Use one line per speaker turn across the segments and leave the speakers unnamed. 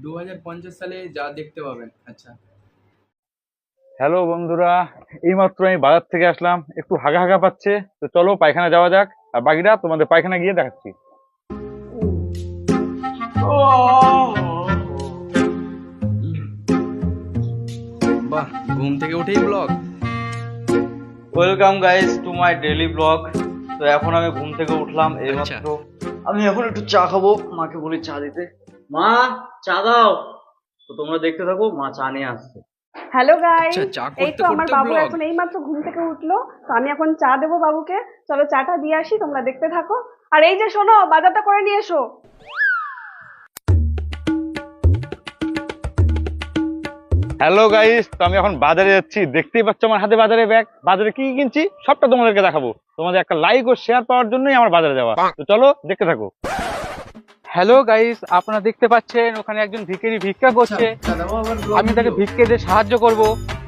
সালে যা দেখতে পাবেন। আচ্ছা,
হ্যালো বন্ধুরা, এইমাত্র আমি বাজার থেকে আসলাম, একটু হাগা হাগা পাচ্ছে। তো চলো পায়খানা যাওয়া যাক, আর বাকিটা তোমাদের পায়খানা গিয়ে দেখাচ্ছি।
বাহ, ঘুম থেকে উঠেই blog.
Welcome guys to my daily blog. তো এখন আমি ঘুম থেকে উঠলাম এইমাত্র। আমি এখন একটু চা খাবো, মাকে বলি চা দিতে। মা, চা দাও। তো তোমরা দেখতে থাকো, মা চা নিয়ে আসছে।
হ্যালো গাইস,
আচ্ছা, চা
এই
করতে
তো আমার
করতে
বাবু
ব্লগ।
এখন এইমাত্র ঘুম থেকে উঠলো, তো আমি এখন চা দেবো বাবুকে। চলো চাটা দিয়ে আসি, তোমরা দেখতে থাকো। আর এই যে শোনো, বাজারটা করে নিয়ে এসো।
হ্যালো গাইস, তো আমি এখন বাজারে যাচ্ছি। দেখতেই পাচ্ছ আমার হাতে বাজারে ব্যাগ। বাজারে কি কি কিনছি সবটা তোমাদেরকে দেখাবো। তোমাদের একটা লাইক ও শেয়ার পাওয়ার জন্যই আমার বাজারে যাওয়া। তো চলো দেখতে থাকো। হ্যালো গাইস, আপনারা দেখতে পাচ্ছেন ওখানে একজন ভিখারি ভিক্ষা করছে। আমি তাকে ভিক্ষে দিয়ে সাহায্য করব।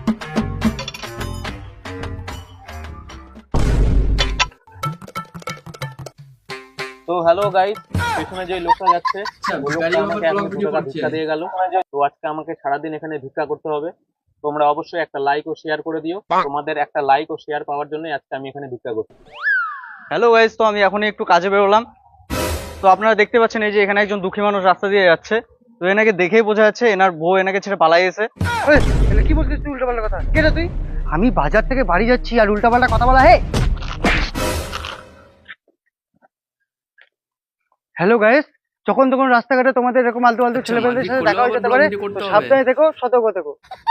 তো হ্যালো গাইস, পেছনে যে লোকটা যাচ্ছে ওই লোকটা আমাকে এখন 2 টাকা ভিক্ষা দিয়ে গেল। তো আজকে আমাকে সারাদিন এখানে ভিক্ষা করতে হবে। তোমরা অবশ্যই একটা লাইক ও শেয়ার করে দিও। তোমাদের একটা লাইক ও শেয়ার পাওয়ার জন্যই আজকে আমি এখানে ভিক্ষা করছি।
হ্যালো গাইস, তো আমি এখনই একটু কাজে বেরোলাম। তো আপনারা দেখতে পাচ্ছেন এই যে এখানে একজন দুঃখী মানুষ রাস্তা দিয়ে যাচ্ছে। তো এনাকে দেখেই বোঝা যাচ্ছে এনার বউ এনাকে ছেড়ে পালাই গেছে।
কি বলছিস তুই উল্টাপাল্টা কথা? কে রে তুই? আমি বাজার থেকে বাড়ি যাচ্ছি আর উল্টাপাল্টা কথা বলা? হ্যালো গাইস, যখন তখন রাস্তাঘাটে তোমাদের এরকম আলতু আলতু
আচ্ছা,
ছেলেপেলেদের
মারপিট
সাথে
করলেও
দেখা হয়ে
আবার
যেতে
ব্লগ
পারে।
ভিডিও করতে
তো
হবে।
সাবধানে থেকো, সতর্ক থেকো।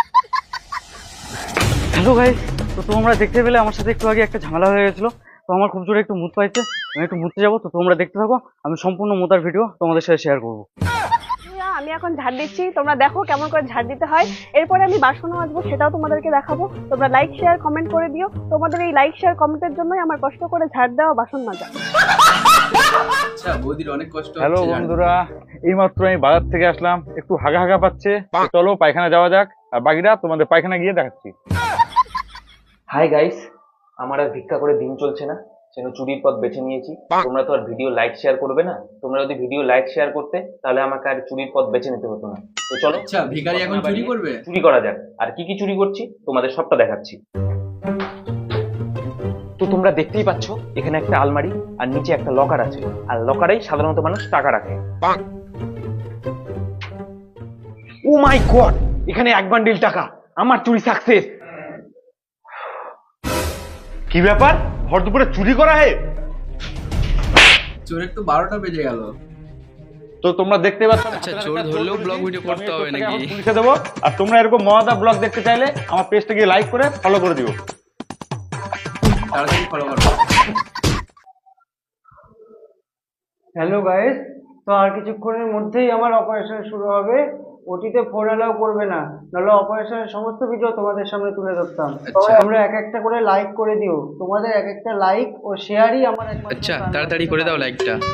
হ্যালো গাইস, তো তোমরা দেখতে পেলে আমার সাথে একটু আগে একটা ঝামেলা হয়ে গেছিল। তো আমার খুব জোরে একটু মুত পাইছে, আমি একটু মুততে যাবো। তো তোমরা দেখতে থাকো, আমি সম্পূর্ণ মোতার ভিডিও তোমাদের সাথে শেয়ার করবো।
আমি এখন ঝাড় দিচ্ছি, তোমরা দেখো কেমন করে ঝাড় দিতে হয়। এরপরে আমি বাসনও মাজবো, সেটাও তোমাদেরকে দেখাবো। তোমরা লাইক শেয়ার কমেন্ট করে দিও। তোমাদের এই লাইক শেয়ার কমেন্টের জন্যই আমার কষ্ট করে ঝাড় দেওয়া, বাসন মাজা।
আচ্ছা, বৌদির অনেক কষ্ট
হ্যালো
হচ্ছে।
বন্ধুরা, এইমাত্র আমি বাজার থেকে আসলাম, একটু হাগা হাগা পাচ্ছে। তো চলো পায়খানা যাওয়া যাক, আর বাকিটা তোমাদের পায়খানা গিয়ে দেখাচ্ছি।
হাই গাইস, আমার আর ভিক্ষা করে দিন চলছে না, সেজন্য চুরির পথ বেছে নিয়েছি। তোমরা তো আর ভিডিও লাইক শেয়ার করবে না। তোমরা যদি ভিডিও লাইক শেয়ার করতে, তাহলে আমাকে আর চুরির পথ বেছে নিতে হতো না। তো চলো,
আচ্ছা, ভিখারি এখন চুরি করবে?
চুরি করা যাক। আর কি কি চুরি করছি তোমাদের সবটা দেখাচ্ছি। তো তোমরা দেখতেই পাচ্ছ এখানে একটা আলমারি আর নিচে একটা লকার আছে। আর লকারেই সাধারণত মানুষ টাকা রাখে। ও মাই গড, এখানে 1 বান্ডিল টাকা। আমার চুরি সাকসেস।
কি ব্যাপার, ভর দুপুরে চুরি করা হে?
চোরের তো 12টা বেজে গেল।
তো তোমরা দেখতে পাচ্ছ
আচ্ছা, চোর ধরলেও ব্লগ ভিডিও করতে হবে নাকি?
পুলিশে দেবো। আর তোমরা এরকম মজাদার ব্লগ দেখতে চাইলে আমার পেজটা গিয়ে লাইক করে ফলো করে দিও।
তাড়াতাড়ি ফলো করো।
হ্যালো গাইস, তো আর কিছুক্ষণের মধ্যেই আমার অপারেশন শুরু হবে। ওটিতে ফোন অ্যালাউ করবে না, নাহলে অপারেশনের সমস্ত ভিডিও তোমাদের সামনে তুলে ধরতাম।
আচ্ছা।
তোমরা এক একটা করে লাইক করে দিও। তোমাদের এক একটা লাইক ও শেয়ারই আমার একমাত্র
আচ্ছা,
প্রাণ
তাড়াতাড়ি
বাঁচাতে
করে দাও
পারে।
লাইকটা।